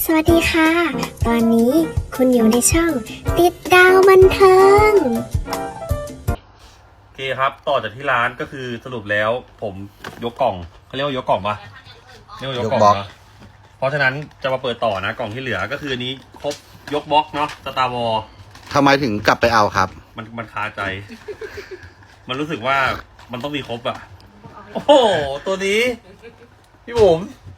สวัสดีค่ะ ตอนนี้คุณอยู่ในช่องติดดาวบันเทิงโอเคครับต่อจากที่ร้านก็คือสรุปแล้วผมยกกล่องเขาเรียกว่ายกกล่องปะเรียกว่ายกกล่องนะเพราะฉะนั้นจะมาเปิดต่อนะกล่องที่เหลือก็คืออันนี้ครบยกบล็อกเนาะสตาร์วอลทำไมถึงกลับไปเอาครับมันคาใจ มันรู้สึกว่ามันต้องมีครบอะโอ้โหตัวนี้พี่บุ๋ม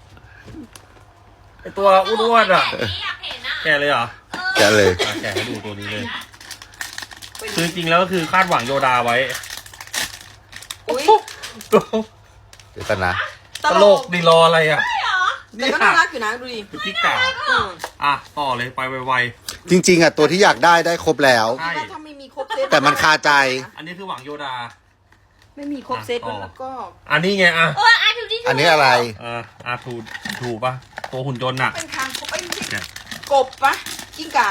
ไอตัวอ้วนๆอะแกเลยเหรอแกะเลยแกให้ดูตัวนี้เลยคือจริงๆแล้วก็คือคาดหวังโยดาไว้อุ้ยเดี๋ยวกันนะตลกดีรออะไรอ่ะแต่ก็น่ารักอยู่นะดูดิคือพี่กาต่อเลยไปไวจริงๆอ่ะตัวที่อยากได้ครบแล้วๆใช่ว่าถ้าไม่มีครบเซตแต่มันคาใจอันนี้คือหวังโยดาไม่มีครบเซตแล้วก็อันนี้ไงอ่ะอันนี้อะไรถูกปะตัวหุ่นยนต์น่ะเป็นคางครบไอ้ไม่ใช่กบปะกิ้งก่า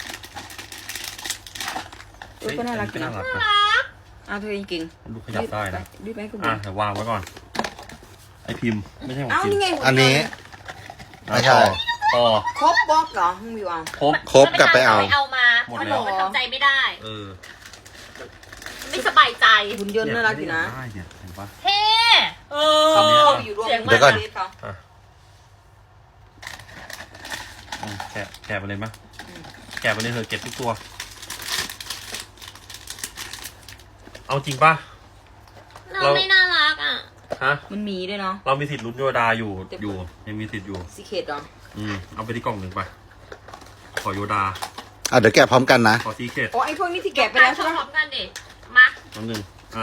ก็น่ารักน่ารักนะเธอจริงดูขยับได้นะรีบไปคุณเดี๋ยววางไว้ก่อน ไอพิมพ์ไม่ใช่ของพิมนี่พ์ไงอันนี้ ไม่ใช่ต่อครบบล็อกเหรอมึงวิวเอาครบกลับไปเอาเอามาหมดเพราะแล้วหนูมันทำใจไม่ได้ ไม่สบายใจหุ่นยนต์น่ารักอยู่นะได้เนี่ยเห็นปะเท่เขาเข้าไปอยู่ร่วมเดี๋ยวก่อนเขาแกะไปเลยมั้ยแกะไปเลยเถอะเก็บทุกตัว เอาจริงปะเราไม่น่ารักอ่ะฮะมันมีด้วยเนาะเรามีสิทธิ์ลุ้นโยดาอยู่ยังมีสิทธิ์อยู่ซีเคดเหรอเอาไปที่กล่องหนึ่งไป ขอโยดาเดี๋ยวแกะพร้อมกันนะขอซีเคทอ๋อไอ้พวกนี้ที่แกะไปแล้วใช่ไหมพร้อมกันดิมาน้ำหนึ่ง 1 2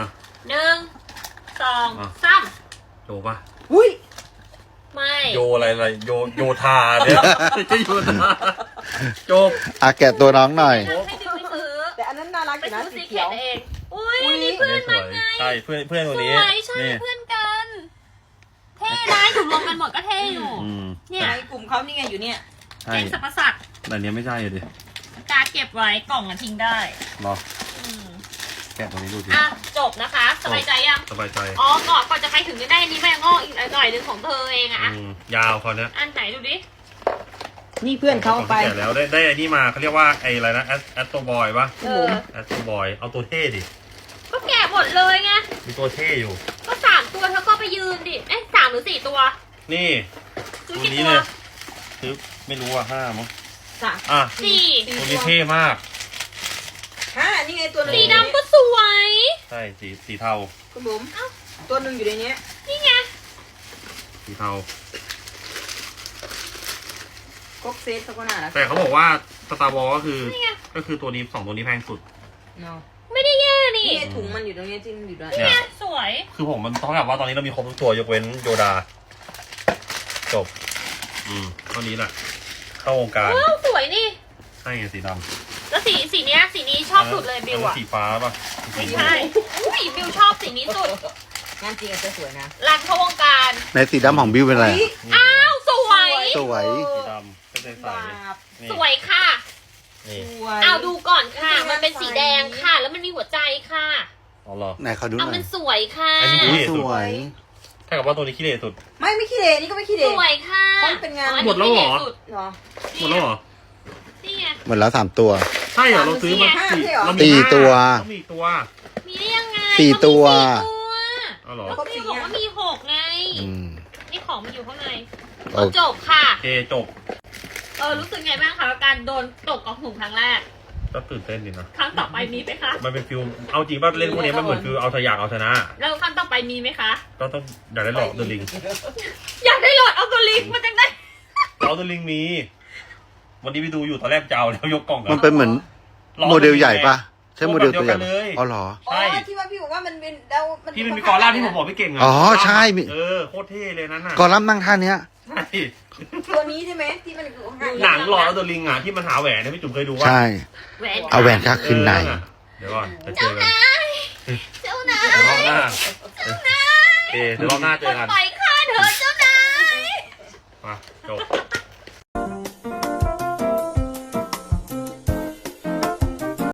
3 โยปะอุ้ยไม่โยอะไรโยธาเนี่ยจะโยธาโจบแกะตัวน้องหน่อยให้ดิวไปซื้อแต่อันนั้นน่ารักอไปยู่นะซื้อสีซีเคเขียวทเองอุ้ยนี่เพื่อนมันไงใช่เพื่อนสตัววนี้ยใช่เพื่อนกันเท่นะอยู่รวมกันหมดก็เท่อยู่เนี่ยในกลุ่มเขานี่ไงอยู่เนี่ยใช่เก่งสรรพสัตว์แต่เนี้ยไม่ใช่เลยดิการเก็บไว้กล่องอะทิ้งได้รอแกะตัวนี้ดูดิจบนะคะสบายใจยังสบายใจก่อนจะไปถึงจะได้อันนี้แม่งอกอีกหน่อยหนึงของเธอเองอะยาวคราวเนี้ยอันไหนดูดินี่เพื่อนเขาเอาไปแกะแล้วได้อันนี้มาเขาเรียกว่าไอ้อะไรนะแอสโตบอยปะ แอสโตบอยเอาตัวเท่ดิก็แกะหมดเลยไงมีตัวเท่อยู่ก็3 ตัวเธอก็ไปยืนดิ3 หรือ 4 ตัวนี่ซื้อตัวกี่นี้ตัวเลยซื้อไม่รู้ว่า5มั้ง 4 ตัวนี้เท่มากนี่ไงตัวนึงสีดำก็สวยใช่สีเทาคุณบุ๋มตัวหนึ่งอยู่ในนี้นี่ไงสีเทาครบเซตเขาก็น่ารักแต่เขาบอกว่าสตาร์วอลก็คือตัวนี้2ตัวนี้แพงสุดเนาะไม่ได้แย่นี่นี่ถุงมันอยู่ตรงนี้ที่มันอยู่ด้วยนี่ไงสวยคือผมมันต้องแบบว่าตอนนี้เรามีครบทุกตัวยกเว้นโยดา จบเท่านี้แหละเข้าวงการว้าวสวยนี่ใช่ไงสีดำแล้วสีนี้ชอบสุดเลยบิวอะสีฟ้าป่ะไม่ใช่อุ้ยบิวชอบสีนี้สุดงานจริงอาจจะสวยนะรันเข้าวงการในสีดำของบิวเป็นอะไรอ้าวสวยสวยสีดำก็ใส่บาปนี่สวยค่ะนี่สวยเอาดูก่อนค่ะ มันเป็นสีแดงค่ะ แล้วมันมีหัวใจค่ะอ๋อเหรอไหนเขาดูหเอาน่อมัยนสวยค่ะอันนี้ดูดิสวยถ้ากับว่าตัวนี้ขี้เหร่สุดไม่ขี้เหร่นี่ก็ไม่ขี้เหสร่วยค่ะเพราะมันเป็นงานอัหมดแล้วเหรอสุดเหรอหมดแล้วเหรอนี่ไงหมดแล้ว3 ตัวใช่เหรอเราซื้อมาห้าสี่ใช่เหรอเราสี่มีตัวเรามีอีกตัวมีได้ยังไงสี่ตัวเอาเหรอก็พี่บอกว่ามี6ไงอืมนี่ของมันอยู่ข้างในโอเคจบค่ะโอเคจบรู้สึกไงบ้างคะกับการโดนตกกองถุงครั้งแรกก็ตื่นเต้นดีนะครั้งต่อไปมีไหมคะมันเป็นฟิลเอาจริงป่ะเล่นพวกนี้มันเหมือนฟิลเอาทะยากเอาชนะแล้วครั้งต่อไปมีไหมคะก็ต้องอยากได้หลอดเดอะลิงอยากได้โหลดเอาตัวลิงก์มาจังได้หลอดเดอะลิงมี วันนี้ไปดูอยู่ตอนแรกจะเอาแล้วยกกล่องกัมันเป็นเหมือนหลอโมเดลใหญ่ปะใช่โมเดลตัวใหญ่เดียวกันเลยอ๋อเหรออ๋อใช่ที่ว่าพี่บอกว่ามันเป็นแล้วมันที่มันมีกอล่ามที่ผมบอกพี่เก่งอะอ๋อใช่มีโคตรเท่เลยนั่นน่ะกอลัมน์นั่งท่าเนี้ยใช่ตัวนี้ใช่ไหมที่มันอยู่ข้างๆหนังหลอดเดอะลิงอะที่มันหาแหวนเนี่ยพี่จุ๋มเคยดูว่าใช่แหวนเอาแหวนค่าขึ้นในเดี๋ยวก่อนจะเจอกันเจ้านายเดี๋ยวรอบหน้าเดี๋ยวรอบหน้าเจอกันไปฆ่าเธอเจ้า